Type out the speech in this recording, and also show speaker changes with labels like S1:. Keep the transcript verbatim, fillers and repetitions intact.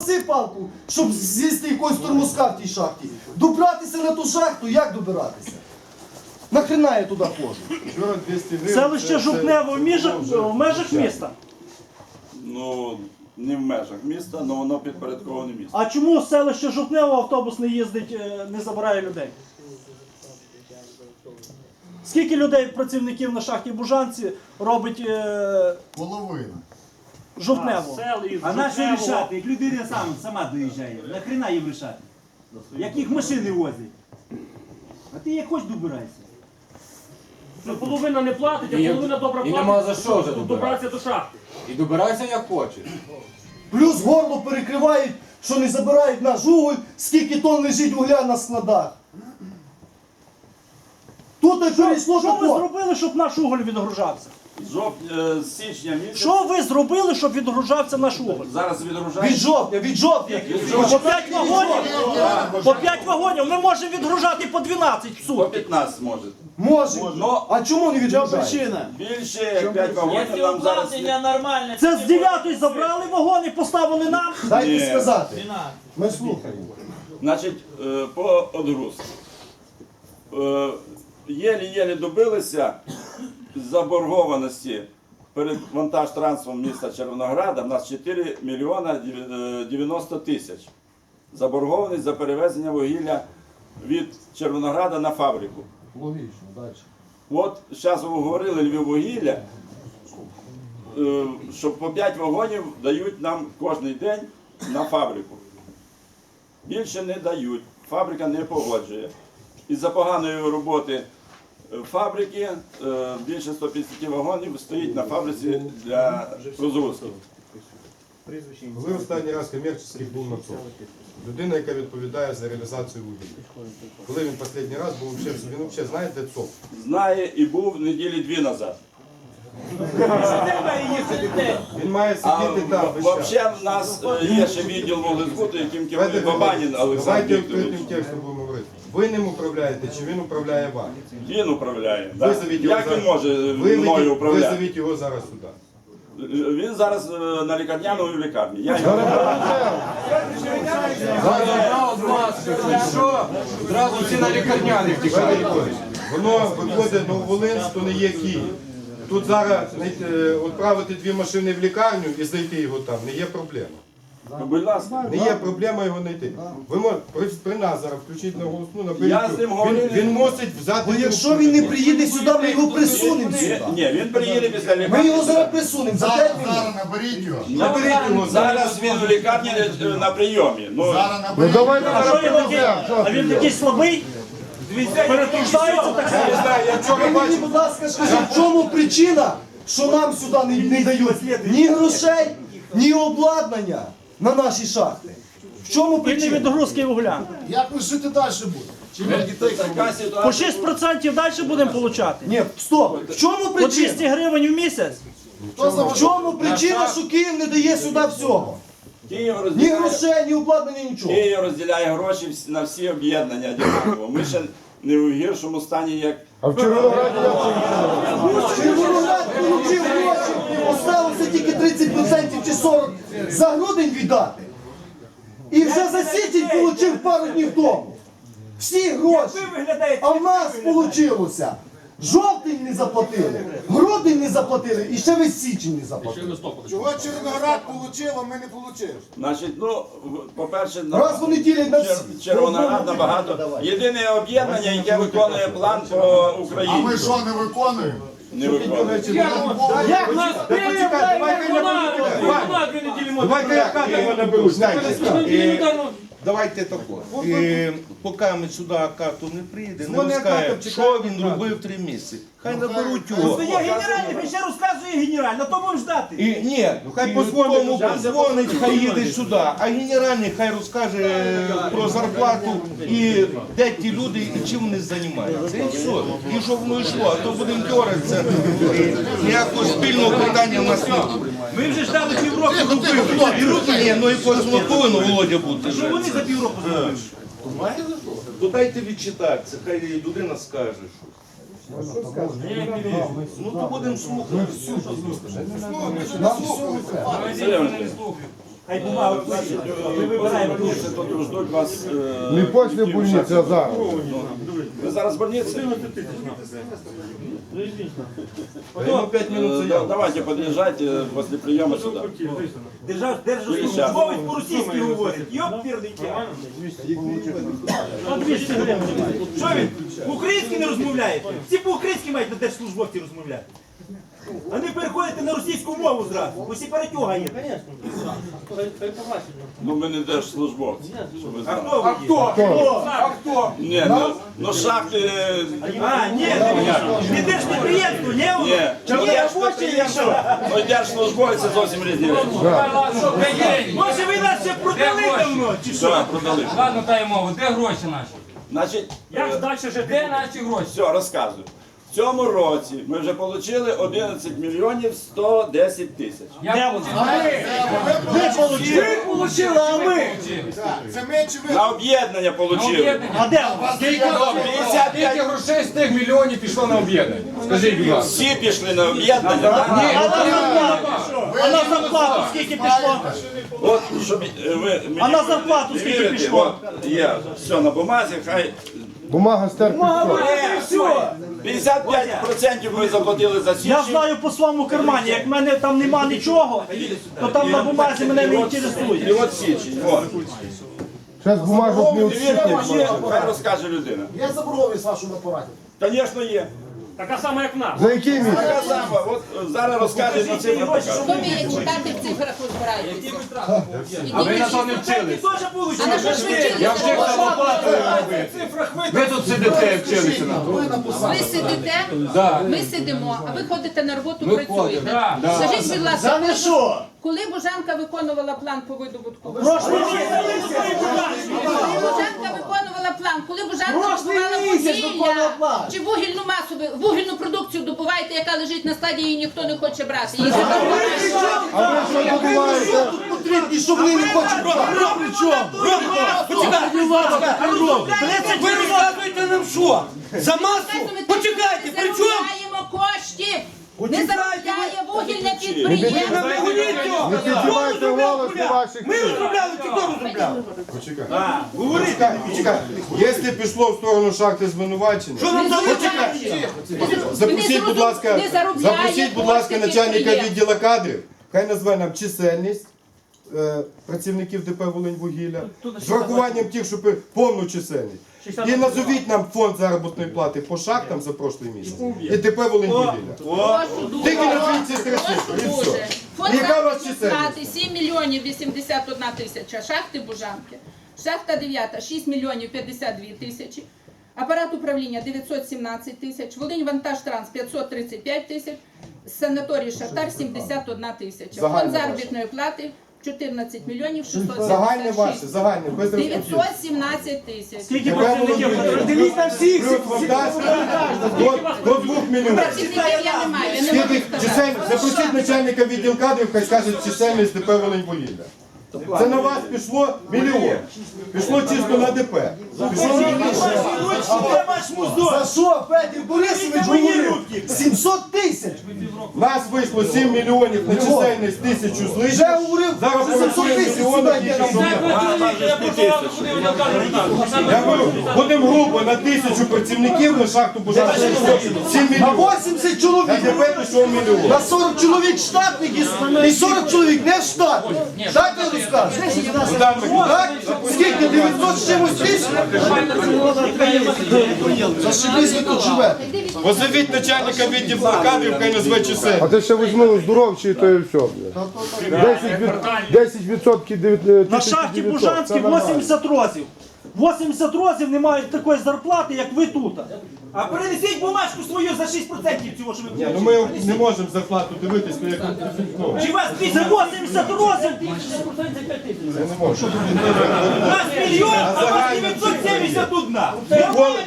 S1: палку, щоб з'їсти якогось тормозка в тій шахті. Добратися на ту шахту, як добиратися? Нахрена я туди ходжу?
S2: Селище Жупнево в межах, в межах міста.
S3: Ну, не в межах міста, але воно підпорядковане місто.
S2: А чому селище Жупнево автобус не їздить, е, не забирає людей? Скільки людей, працівників на шахті Бужанці робить е,
S4: Половина.
S2: Жупнево?
S5: А на що рішати? Як людина сам, сама доїжджає, нахрена їм рішати? Як їх машини возять? А ти як хоч добирайся.
S6: Ну, половина не платить, а половина добре
S7: І
S6: платить.
S7: нема за що вже
S6: Добратися
S7: добиратися.
S6: до шахти.
S7: І добирайся як хочеш.
S1: Плюс горло перекривають, що не забирають наш уголь, скільки тонн лежить вугля на складах. Тут і перейшло
S2: Що ви
S1: тако.
S2: зробили, щоб наш уголь відгружався?
S3: З жовт... е, з січня місяця
S2: Що ви зробили, щоб відгружався наш уголь?
S3: зараз відгружають.
S1: Від жовтня, від жовтня.
S2: По п'ять вагонів? По п'ять вагонів ми можемо відгружати по дванадцять в
S3: По
S2: сутки.
S3: п'ятнадцять може.
S1: Може.
S3: Ну,
S1: А чому не відгружають?
S3: більше як п'ять вагонів
S8: Якщо
S3: нам зараз...
S8: укладення нормальне,
S2: Це з дев'ятої забрали вагони, поставили нам.
S1: Дайте
S3: Ні.
S1: сказати. Ми слухаємо.
S3: Значить, е, по одгрузці. Е, Єлі-єлі добилися заборгованості перед вантаж-трансфером міста Червонограда. У нас чотири мільйона дев'яносто тисяч. Заборгованість за перевезення вугілля від Червонограда на фабрику.
S1: Логічно, далі.
S3: От зараз ви говорили Львіввугілля, е, що по п'ять вагонів дають нам кожен день на фабрику. Більше не дають, фабрика не погоджує. Із-за поганої роботи фабрики е, більше ста п'ятдесят вагонів стоїть на фабриці для розгрузки.
S4: Коли останній раз комерційний був на ЦОВ? Людина, яка відповідає за реалізацію вугілля. Коли він останній раз був, він взагалі знає, де ЦОВ?
S3: Знає і був неділі дві назад.
S4: Він має
S3: А
S4: сидіти там весь час.
S3: взагалі в нас е, є ще відділ вуглезбуту, яким керує Бабанін Олександр
S4: Давайте
S3: Вікторович.
S4: відкритим текстом будемо говорити. Ви ним управляєте, чи він управляє вами?
S3: Він управляє. да.
S4: Визовіть його
S3: Як він
S4: зараз.
S3: може
S4: Виведіть-
S3: мною управляти?
S4: Визовіть його зараз сюди.
S3: Він зараз е, на лікарняному в лікарні. Я його
S7: Забрав з вас, що? Одразу всі на лікарняних втікають.
S4: Воно виходить Нововолинськ, то не є Київ. Тут зараз знайти, відправити дві машини в лікарню і знайти його там не є проблема.
S3: Ну, будь ласка.
S4: Не є проблема його знайти. Ви можете при, при нас зараз включити на голосну, наберіть.
S3: Я з ним
S4: Він,
S3: говорив.
S4: він мусить взяти.
S1: Бо якщо він не приїде сюди, ми його присунемо сюди.
S3: Ні, він приїде після
S1: Ми
S3: лікарні.
S1: його зараз присунемо за п'ять минут.
S4: Зараз наберіть його.
S3: Ну,
S4: Наберіть його.
S3: Зараз він в лікарні е, на прийомі. Ну,
S4: Зараз наберіть.
S2: А що він такий? А він такий слабий? Перетруждається так само?
S4: Я не знаю, я вчора
S1: Ви мені,
S4: бачив.
S1: будь ласка, скажіть, в чому причина, що нам сюди не, не дають ні грошей, ні обладнання на наші шахти? В чому
S2: І не
S1: причина?
S2: відгрузки вугля.
S4: Як ви жити далі будете?
S3: така
S2: По
S3: ситуація.
S2: шість процентів далі будемо отримати?
S1: Ні, стоп. В чому
S2: По
S1: причина?
S2: двісті гривень в місяць?
S1: В чому причина, що Київ не дає сюди всього?
S3: Київ
S1: Ні
S3: розділяє,
S1: грошей, ні обладнання, нічого.
S3: Київ розділяє гроші всі- на всі об'єднання однаково. Ми ще не в гіршому стані, як
S1: Червоноград отримав гроші, осталося тільки тридцять відсотків чи сорок відсотків за грудень віддати. І вже за січень отримав пару днів тому. Всі гроші. А в нас вийшло. Жовтень не заплатили, грудень не заплатили і ще весь січень не заплатили.
S4: Чого Червоноград отримав, а ми не отримали?
S3: Значить, ну, в- по-перше, на-
S1: Раз вони ділять на
S3: Чер-
S1: всі.
S3: Червоноград набагато. Єдине об'єднання, яке виконує план по Україні.
S4: Ми що, не виконуємо?
S3: Не виконує.
S6: Як нас вона дві неділі може.
S9: Давайте я кадр наберу, знаєте.
S6: Неділю дармо.
S9: Давайте тако. Е, Поки ми сюди карту не приїде, не
S4: Дзвони
S9: розкаже,
S4: карту,
S9: що він робив три місяці. Хай наберуть його.
S5: Це є генеральний, він ще розказує генеральний, на то будемо ждати.
S9: І, ні, хай позвонить, тому позвонить, хай їде сюди. А генеральний хай розкаже про зарплату і де ті люди і чим вони займаються. І все. І щоб воно йшло, а то будемо дьоратися. І ніякого спільного питання в нас немає.
S5: Ми вже ждали півроку, зробили.
S9: І руки, ні, ну якось воно повинно, Володя, бути.
S5: Що вони за півроку зробили?
S9: То дайте відчитатися, хай людина скаже щось. Ну то будемо слухати.
S1: Нам всього треба.
S3: Сергій Іванович,
S5: Хай бумагу
S3: Значить,
S5: пишуть. Ми вибираємо дуже.
S3: больниці, то тут ждуть вас. е,
S4: Не після больниці, а зараз.
S3: Ви зараз в больниці?
S4: Ему пять минут
S3: Е, да-
S4: заявку.
S3: Давайте подъезжайте після прийому сюди.
S5: Держав, держслужбовець по-російськи говорить. Йоп, пірний тя.
S6: По двісті гривень.
S5: Що він? По-українськи не розмовляє? Всі по-українськи мають на держслужбовці розмовляти. А не переходите на російську мову зразу, бо всі перетяга є.
S3: Ну ми не держслужбовці. Щоб ви
S5: А
S3: знали.
S5: хто ви є?
S7: А хто?
S3: Ні, ну, ну шахти.
S5: А, ні, не держпідприємство, ні?
S3: Ні,
S5: Чи
S3: ну,
S5: ні робочі, є що?
S3: Ну держслужбовці зовсім різні речі.
S7: Що, де є?
S5: Може ви нас ще продали давно, чи що?
S3: Все, продали.
S7: Ладно, та й мову, де гроші наші?
S3: Значить,
S6: Як ж далі жити?
S7: Де наші гроші?
S3: все, розказую. В цьому році ми вже отримали одинадцять мільйонів сто десять тисяч.
S7: Я
S5: Ви получили, а ми?
S3: На об'єднання отримали.
S5: А де у вас?
S7: Скільки грошей з тих мільйонів пішло на об'єднання? Скажіть, будь ласка.
S3: Всі пішли на об'єднання.
S5: А на зарплату? А на зарплату скільки пішло?
S3: От, щоб е, ви мені
S5: А на зарплату
S3: не
S5: скільки
S3: вірите,
S5: пішло?
S3: от, є все на бумазі, хай
S4: Бумага стерпить.
S5: Е, все.
S3: п'ятдесят п'ять відсотків ви заплатили за
S5: Я
S3: січень.
S5: знаю по своєму кармані, як в мене там нема нічого, то там на бумазі мене не
S3: І
S5: інтересує.
S3: от січень, от.
S4: Зараз бумажок не
S3: Не вірите
S4: відсутні.
S3: мені, хай розкаже людина.
S1: Є заборгованість в вашому апараті?
S3: Звісно, є.
S6: Така сама, як в нас.
S4: За який місяць?
S3: Така сама, от е, зараз розкаже на цифру покаже.
S8: Що ви як читати в цифрах розбираєтеся?
S7: А ви на то не вчились.
S8: А на що ж ви вчилися?
S7: Я вчив самоплатою робити. Ви тут сидите, вчилися на то.
S8: Ви сидите,
S7: Да.
S8: ми сидимо, а ви ходите на роботу,
S7: Ми
S8: працюєте.
S7: ходимо, да.
S8: Скажіть, будь ласка,
S5: не що?
S8: коли Божанка виконувала план по видобутку?
S5: Прошлий
S8: Коли Божанка виконувала план, коли Божанка
S5: Прошлий
S8: добувала
S5: місяць виконувала
S8: вугілля,
S5: план.
S8: чи вугільну масу, ви- вугільну продукцію добуваєте, яка лежить на складі, її ніхто не хоче брати. Її забирають.
S1: А ви що добуваєте? Тут потрібні, щоб вони не хочуть брати. При чому?
S5: Ви розказуєте нам що? За
S8: Почекайте, при чому? Заробляємо коштів. Не заробляє вугільне підприємство.
S4: Не піднімайте голос на ваших.
S1: Ми розробляли, чи хто розробляв?
S4: Почекай.
S5: Говорити.
S4: Почекай, почекай. Якщо пішло в сторону шахти звинувачення,
S5: Що нам
S8: Почекайте.
S4: запросіть, будь ласка,
S8: Не заробляє
S4: запросіть, будь ласка,
S8: коштів
S4: начальника
S8: підприємств.
S4: відділу кадрів. Хай назве нам чисельність е, працівників ДП «Волиньвугілля» з врахуванням тих, що пи- повну чисельність. І назовіть нам фонд заробітної плати по шахтам за прошлий місяць. І ДП «Волиньвугілля».
S8: Прошу дуже.
S4: Тільки назвіть ці три
S8: Прошу
S4: цифри, і
S8: дуже.
S4: все.
S8: Фонд
S4: Яка у вас
S8: заробітної
S4: чисельність?
S8: плати сім мільйонів вісімдесят одна тисяча. Шахти Бужанки. Шахта дев'ята шість мільйонів п'ятдесят дві тисячі. Апарат управління дев'ятсот сімнадцять тисяч. Волинь Вантажтранс п'ятсот тридцять п'ять тисяч. Санаторій Шахтар сімдесят одна тисяча.
S4: Загальне
S8: Фонд
S4: ваше.
S8: заробітної плати чотирнадцять мільйонів шістсот
S4: Загальне ваше,
S8: сімдесят шість.
S4: загальне, без розподілу.
S8: дев'ятсот сімнадцять тисяч.
S5: Скільки працівників? Дивіть на всіх.
S4: Плюс фантастика до, до двох мільйонів.
S8: Працівників я не маю, я не можу
S4: Скільки
S8: сказати.
S4: чисельність, запросіть начальника відділ кадрів, хай скаже чисельність ДП «Волиньвугілля». Це на вас пішло мільйон. Пішло чисто на ДП. Пішло на
S5: Де ваш музон?
S1: За що Федір Борисович говорив? сімсот тисяч.
S4: Нас вийшло сім мільйонів на чисельність тисячу з
S1: Вже
S4: лишнім.
S1: говорив,
S4: Зараз
S1: за сімсот
S4: порахуємо
S1: тисяч
S4: мільйони,
S1: сюди йде
S4: тільки
S1: нам.
S4: що Я говорю, будемо грубо на тисячу працівників на шахту Бужанки. сім
S1: На
S4: мільйонів.
S1: вісімдесят
S4: На
S1: чоловік.
S4: ДП пішов мільйон.
S1: На сорок чоловік штатних і- і сорок чоловік не штатних. Так я розкажу.
S4: Богдан Миколаївич,
S1: Так? Скільки? дев'ятсот з чимось тисяч? Зашибись ви тут живете.
S4: позовіть начальника відділу кадрів, хай назве чисельність.
S10: А ти ще візьми здоровчий, то і все. десять відсотків
S5: На шахті Бужанській вісімдесят розів. вісімдесят розів не мають такої зарплати, як ви тут. А перенесіть бумажку свою за шість відсотків цього, що ви
S4: Ні, ну ми не можемо зарплату дивитись, ну, як ну,
S5: Чи вас за вісімдесят розів?
S4: я не можу.
S5: У нас мільйон, а у вас дев'ятсот сімдесят один.